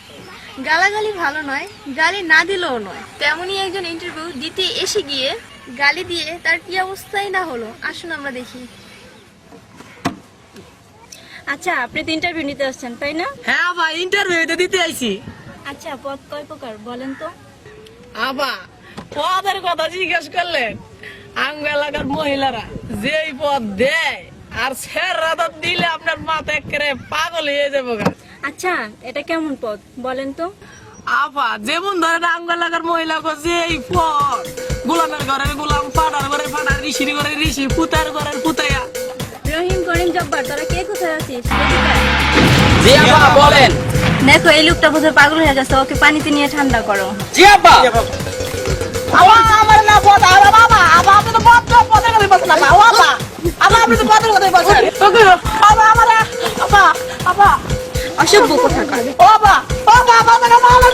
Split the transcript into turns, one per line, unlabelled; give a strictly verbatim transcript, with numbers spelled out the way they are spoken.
গালাগালি ভালো নয়, গালি না দিলেও নয়। তেমনই একজন ইন্টারভিউ দিতে এসে গিয়ে গালি দিয়ে তার কি অবস্থাই না হলো। আসুন আমরা দেখি।
আচ্ছা, আপনি তো ইন্টারভিউ নিতে আসছেন তাই না?
হ্যাঁ ভাই, ইন্টারভিউ দিতে আইছি।
আচ্ছা, পদ কয় প্রকার বলেন তো?
আবা পদের কথা জিজ্ঞেস করলেন, আঙ্গ এলাকার মহিলারা যেই পদ দেয় আর স্যাররা তো দিলে আপনার মাথা একেবারে পাগল হয়ে যাবো গা।
আচ্ছা, এটা কেমন পদ বলেন তো?
আপা যেমন ধরেন আঙ্গ এলাকার মহিলা যেই পদ, গোলামের ঘরের গোলাম, পাড়ার ঘরের পাড়া, ঋষির ঘরের ঋষি, পুতার ঘরের পুতাইয়া।
রহিম, করিম, জব্বার, তোরা কে কোথায় আছিস?
জি আপা বলেন।
দেখো, এই লোকটা বোধহয় পাগল হয়ে গেছে, ওকে পানিতে নিয়ে ঠান্ডা করো।
জি আপা।
আপা আমার না পদ, আরে বাবা, আপা আপনি তো পদ পদের কথাই বলছেন। আপা ও আপা, আপা আপনি তো পদের কথাই বলছেন। আপা আমার আপা আপা
অসভ্য কোথাকার।
ও আপা ও আপা আপা